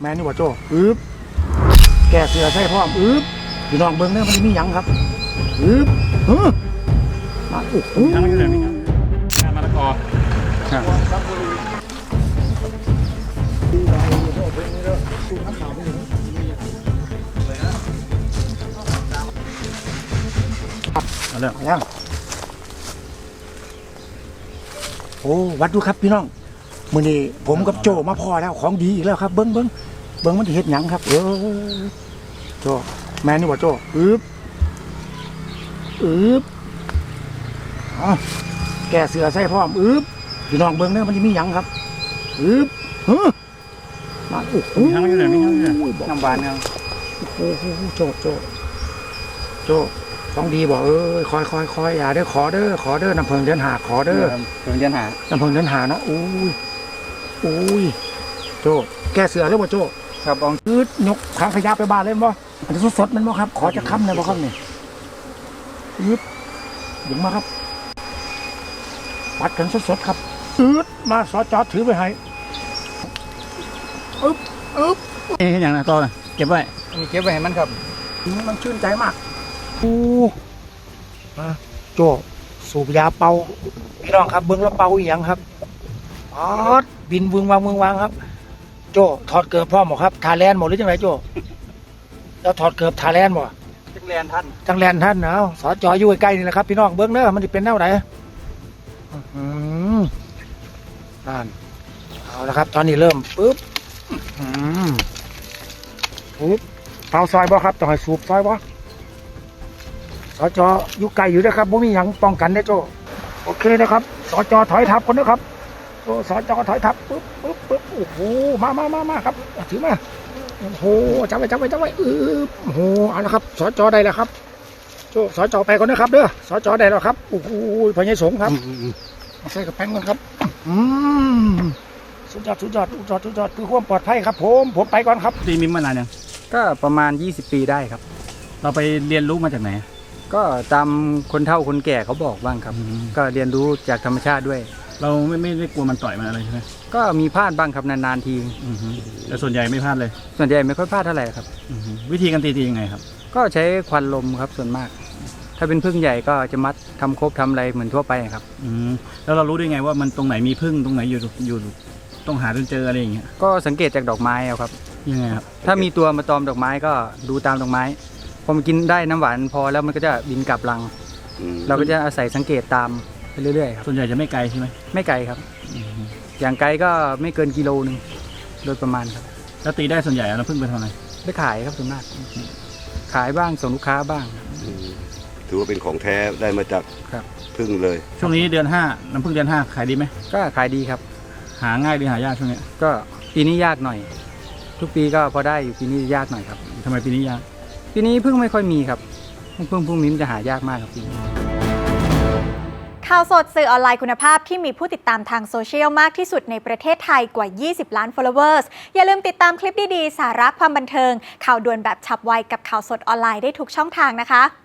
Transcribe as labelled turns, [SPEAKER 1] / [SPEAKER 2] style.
[SPEAKER 1] แม่นี่ว่าโจ้แก่เสือใส่พร้อมพี่น้องเบิ้งเนี่ยมันมีหยังครับมาโอ้โห
[SPEAKER 2] งานมะละกอเอาเลย
[SPEAKER 1] ยังโอ้วัดดูครับพี่น้องมื้อนี้ผมกับโจมาพอแล้วของดีอีกแล้วครับเบิ้งมันเฮ็ดหยังครับโจแม่นี่ว่าโจแก่เสือใส่พร้อมพี่น้องเบิ้งเนี่ยมันจะมีหยังครับมาโอ้โห
[SPEAKER 2] น้ำหวานเนี่ย
[SPEAKER 1] โอ้โหโจของดีบอกคอยอย่าขอเด้อน้ำเพิงเดินหาขอเด้อ
[SPEAKER 2] เพิ่งเดินหา
[SPEAKER 1] น้ำเพิงเดินหานะโอ้ยโจแก่เสือเรื่องว่าโจ
[SPEAKER 2] ครับบอง
[SPEAKER 1] ยกถังขยะไปบ้านเลยบ่อันนี้สดมันบ่ครับขอจะค้ำเลยบ่ครับนี่ถึงมาครับปัดกันสดครับมาสอจอถือไปให้
[SPEAKER 2] นี่อย่างนั้นต่อเก็บไว้
[SPEAKER 1] เก็บไว้ให้มันครับมันชื่นใจมากมาโจสูบยาเป่าพี่น้องครับเบิ้งแล้วเป่าอีหยังครับบินวางครับ โจถอดเกือบพ่อหมอครับทาแลนหมดหรือจังไรโจแล้วถอดเกือบทาแลนหมด
[SPEAKER 2] จังแลนท่
[SPEAKER 1] านเนาะสอจออยู่ใกล้ๆนี่แหละครับพี่น้องเบิ้งเน้อมันจะเป็นแนวไหนนั่นเอาละครับตอนนี้เริ่มปุ๊บเผาซอยบ่ครับต้องให้สูบซอยบ่สจอยู่ไกลอยู่นะครับบ่มีหยังป้องกันได้โจโอเคนะครับสจถอยทับคนนะครับโอ้สจถอยทับปุ๊บโอ้โหมาครับถือมาโอ้โหจับไว้โอ้โหเอาละครับสจได้แล้วครับโจสจไปก่อนนะครับเด้อสจได้แล้วครับโอ้โหพญายสงครับใส่กับแป้งก่อนครับสุดยอดคือความปลอดภัยครับผมไปก่อนครับ
[SPEAKER 2] ตีมิมมานานยัง
[SPEAKER 3] ก็ประมาณ20 ปีได้ครับ
[SPEAKER 2] เราไปเรียนรู้มาจากไหน
[SPEAKER 3] ก็ตามคนเฒ่าคนแก่เขาบอกบ้างครับก็เรียนรู้จากธรรมชาติด้วย
[SPEAKER 2] เราไม่ได้กลัวมันต่อยมันอะไรใช่ไหม
[SPEAKER 3] ก็มีพลาดบ้างครับนานๆที
[SPEAKER 2] แต่ส่วนใหญ่ไม่พลาดเลย
[SPEAKER 3] ส่วนใหญ่ไม่ค่อยพลาดเท่าไหร่ครับ
[SPEAKER 2] วิธีการตียังไงครับ
[SPEAKER 3] ก็ใช้ควันลมครับส่วนมากถ้าเป็นพึ่งใหญ่ก็จะมัดทำครบทำอะไรเหมือนทั่วไปครับ
[SPEAKER 2] แล้วเรารู้ได้ไงว่ามันตรงไหนมีพึ่งตรงไหนอยู่ต้องหาจนเจออะไรอย่างเงี้ย
[SPEAKER 3] ก็สังเกตจากดอกไม้เอาครับ
[SPEAKER 2] ยังไงครับ
[SPEAKER 3] ถ้ามีตัวมาตอมดอกไม้ก็ดูตามดอกไม้พอมันกินได้น้ำหวานพอแล้วมันก็จะบินกลับรังเราก็จะอาศัยสังเกตตามไปเรื่อยๆครับ
[SPEAKER 2] ส่วนใหญ่จะไม่ไกลใช่ไหม
[SPEAKER 3] ไม่ไกลครับอย่างไกลก็ไม่เกินกิโลนึงโดยประมาณครับ
[SPEAKER 2] แล้วตีได้ส่วนใหญ่เราพึ่งไปทำอะไร
[SPEAKER 3] ไปขายครับส่วนมากขายบ้างส่งลูกค้าบ้าง
[SPEAKER 4] ถือว่าเป็นของแท้ได้มาจากพึ่งเลย
[SPEAKER 2] ช่วงนี้เดือน5น้ำพึ่งเดือน5ขายดีไหม
[SPEAKER 3] ก็ขายดีครับ
[SPEAKER 2] หาง่ายหรือหายากช่วงนี้
[SPEAKER 3] ก็ปีนี้ยากหน่อยทุกปีก็พอได้อยู่ปีนี้ยากหน่อยครับ
[SPEAKER 2] ทำไมปีนี้ยาก
[SPEAKER 3] ปีนี้พึ่งไม่ค่อยมีครับพึ่งพวกนี้มันจะหายากมากครับปีนี้
[SPEAKER 5] ข่าวสดสื่อออนไลน์คุณภาพที่มีผู้ติดตามทางโซเชียลมากที่สุดในประเทศไทยกว่า20 ล้าน followers อย่าลืมติดตามคลิปดีๆสาระความบันเทิงข่าวด่วนแบบฉับไวกับข่าวสดออนไลน์ได้ทุกช่องทางนะคะ